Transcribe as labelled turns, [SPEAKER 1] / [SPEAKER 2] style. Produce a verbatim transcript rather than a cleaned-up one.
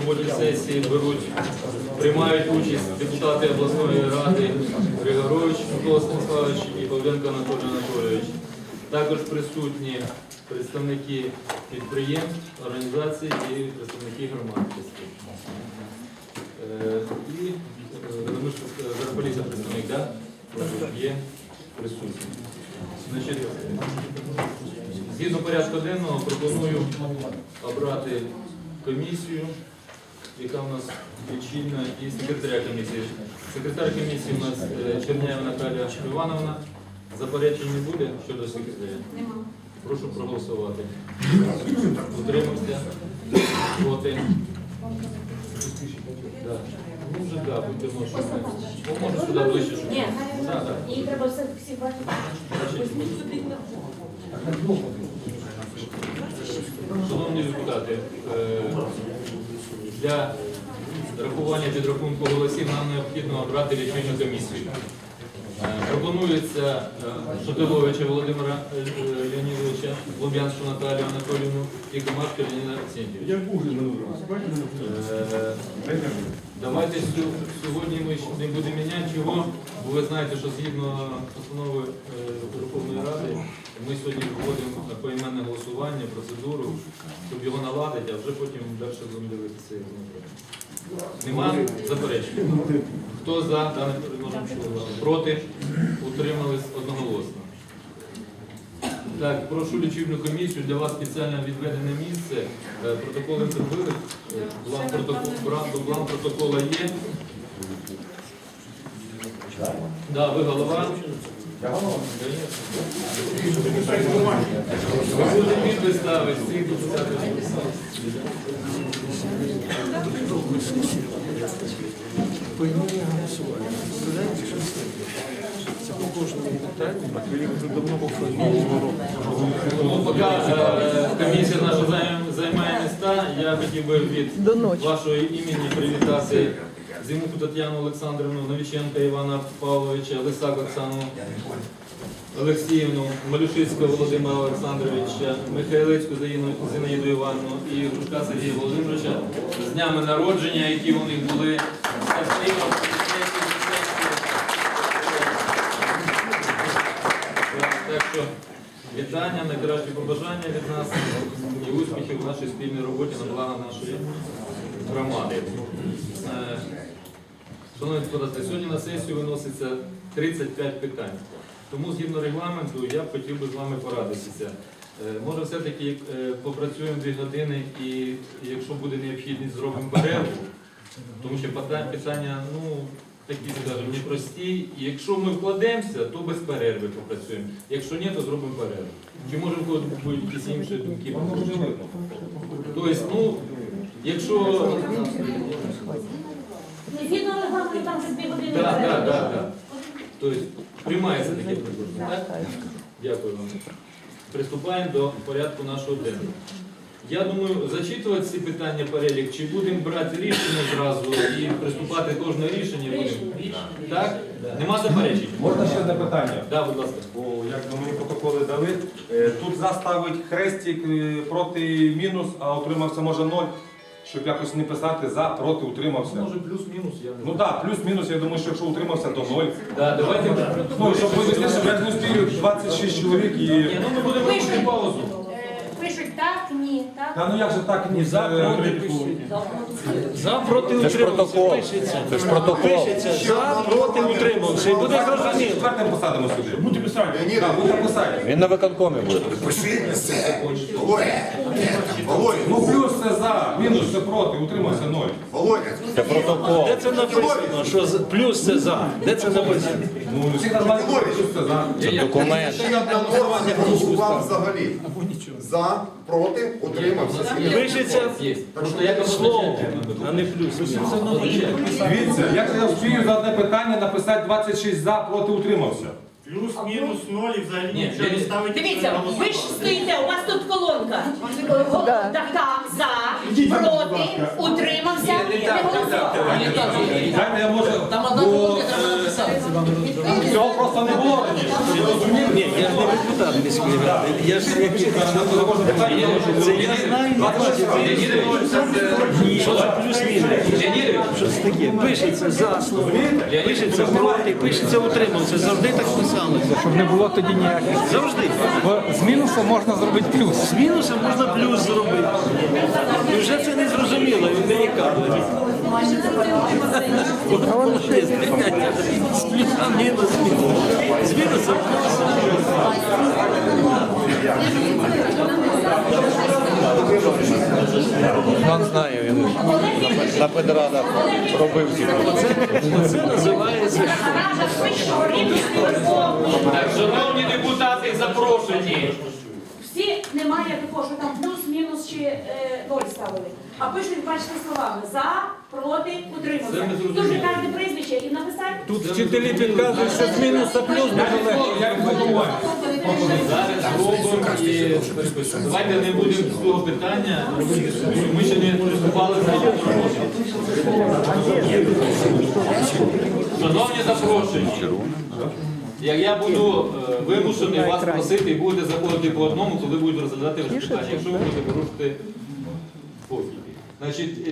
[SPEAKER 1] роботі сесії беруть, приймають участь депутати обласної ради Григорович Микола Станіславович і Павленко Анатолій Анатолійович. Також присутні представники підприємств, організацій і представники громадськості. Е, І ми ж Зарполіса представник, так? Є присутні. Значить, згідно порядку денного пропоную обрати комісію, яка у нас лічильна, і секретаря комісії. Секретар комісії у нас Черняєва Наталія Івановна. Заперечень не буде щодо секретаря?
[SPEAKER 2] Нема.
[SPEAKER 1] Прошу проголосувати. Утримався. Проти. Да. Ну вже так, будемо що. Може сюди ближче, щоб...
[SPEAKER 2] Ні,
[SPEAKER 1] Да, да.
[SPEAKER 2] її треба все всі бачити.
[SPEAKER 1] Шановні депутати, е, для рахування підрахунку голосів нам необхідно обрати лічильну комісію. Е, Пропонується е, Шатиловича Володимира е, Леонідовича, Луб'янську Наталію Анатоліївну і Комашка Леоніда Арсентьєвича. Е, Давайте сю- сьогодні ми ще не будемо міняти чого, бо ви знаєте, що згідно постанови е, Верховної Ради ми сьогодні вводимо поіменне голосування, процедуру, щоб його наладити, а вже потім далі будемо дивитися. Нема заперечень? Хто за дане предложення? Проти? Утримались одноголосно. Так, прошу лічильну комісію, для вас спеціально відведене місце. Е, Протоколи зробили, Е, бланк протоколу, бланк- бланк протокола є. Да, ви голова. Ви будете підпис ставити, всіх депутатів.
[SPEAKER 3] Поіменно голосування. Представляєте, що це? Це по кожному питанню, а я вже давно повторюю.
[SPEAKER 1] Ну, поки е, комісія наша займ- займає міста, я хотів би від вашого імені привітати Зимуку Тетяну Олександрівну, Новіченка Івана Павловича, Лисак Оксану Олексіївну, Малюшицького Володимира Олександровича, Михайлецьку Зіну- Зінаїду Івановну і Грушка Сергія Володимировича з днями народження, які у них були. Так що вітання, найкращі побажання від нас і успіхів в нашій спільній роботі на благо нашої громади. Е, Шановні депутати, сьогодні на сесію виноситься тридцять п'ять питань. Тому згідно регламенту я б хотів би з вами порадитися. Е, Може все-таки е, попрацюємо дві години і якщо буде необхідність, зробимо перерву, тому що питання, питання ну, такі, скажімо, непрості. І якщо ми вкладемося, то без перерви попрацюємо. Якщо ні, то зробимо перерву. Чи може в когось будуть якісь інші думки? Тобто, ну, якщо...
[SPEAKER 2] Згідно регламенту, там вже дві години.
[SPEAKER 1] Так, так, так, так. Тобто, приймається таке предложення, так? Дякую вам. Приступаємо до порядку нашого денного. Я думаю, зачитувати ці питання перелік, чи будемо брати рішення зразу і приступати кожне рішення будемо? Так? Нема заперечень?
[SPEAKER 4] Можна ще одне питання?
[SPEAKER 1] Так, будь ласка.
[SPEAKER 4] Бо як би мені протоколи дали, е, тут заставить хрестик е, проти мінус, а утримався може ноль, щоб якось не писати за, проти, утримався.
[SPEAKER 1] Може плюс-мінус, я не
[SPEAKER 4] Ну
[SPEAKER 1] знаю.
[SPEAKER 4] так, плюс-мінус, я думаю, що якщо утримався, то ноль.
[SPEAKER 1] Да, давайте...
[SPEAKER 4] Ну, щоб вивести, щоб я не успію двадцять шість чоловік і...
[SPEAKER 1] Ні, ну ми будемо робити паузу.
[SPEAKER 2] Е, Пишуть так, ні, так.
[SPEAKER 4] Та ну як же так, ні,
[SPEAKER 3] За,
[SPEAKER 4] за,
[SPEAKER 3] проти, за, проти,
[SPEAKER 5] Це ж протокол.
[SPEAKER 3] пишеться.
[SPEAKER 5] Це ж протокол.
[SPEAKER 3] Пишеться, за, проти, утримався. І буде зрозуміло.
[SPEAKER 4] четвертим посадимо сюди. Будете писати. Так, будете писати.
[SPEAKER 5] Він на виконкомі буде.
[SPEAKER 6] Пиши це. Володя. Володя.
[SPEAKER 4] Ну плюс це за, мінус це проти, утримався ноль.
[SPEAKER 6] Володя.
[SPEAKER 5] Це протокол.
[SPEAKER 3] Де це написано? Що з- плюс це за? Де це написано?
[SPEAKER 4] Ну, всі нормально, плюс це за.
[SPEAKER 5] Це документ.
[SPEAKER 6] Ще одна норма не голосував взагалі. За, проти, утримався.
[SPEAKER 3] Пишеться
[SPEAKER 1] Є. Просто я
[SPEAKER 3] слово, а не плюс.
[SPEAKER 4] Дивіться, як я встигаю за одне питання написати двадцять шість за, проти, утримався.
[SPEAKER 7] Плюс-мінус ноль і взагалі
[SPEAKER 1] Ні,
[SPEAKER 7] нічого не
[SPEAKER 1] ні.
[SPEAKER 7] ставить.
[SPEAKER 2] Дивіться, ви ж стоїте, у вас тут колонка. Така, за, проти, утримався, не голосував.
[SPEAKER 4] Дайте я можу, бо е, цього просто не було раніше.
[SPEAKER 3] Ні, я ж не депутат міської ради. Я ж який
[SPEAKER 4] На кожне питання я можу.
[SPEAKER 3] це я не знаю. Що за плюс щось таке. Пишеться за слово, пишеться проти, пишеться утримався. Завжди так писалося.
[SPEAKER 8] Щоб не було тоді ніяких.
[SPEAKER 3] Завжди.
[SPEAKER 8] Бо з мінусу можна зробити плюс.
[SPEAKER 3] З мінусом можна плюс зробити. І вже це не зрозуміло, він не яка. Воно є сприйняття. З плюсом мінус, мінус. З мінусом плюс.
[SPEAKER 5] Він знає, він на педрадах робив ці.
[SPEAKER 3] Це називається.
[SPEAKER 2] Рада вищого рівня Верховної.
[SPEAKER 1] Так, шановні депутати, запрошені.
[SPEAKER 2] Всі немає такого, що там плюс-мінус чи е, ноль ставили. А пишуть, бачите, словами за, проти,
[SPEAKER 1] Це ми
[SPEAKER 2] утримався.
[SPEAKER 1] зрозуміли.
[SPEAKER 2] Дуже кожне прізвище і написати.
[SPEAKER 8] Тут вчителі підказують, що з мінуса плюс дуже легко.
[SPEAKER 1] Зараз зробимо і перепишемо. Давайте не будемо з цього питання робити дискусію. Ми ще не приступали до цього. Шановні запрошені, як я буду е, вимушений вас просити і будете заходити по одному, коли будуть розглядати питання, якщо ви будете порушити спокій. Значить,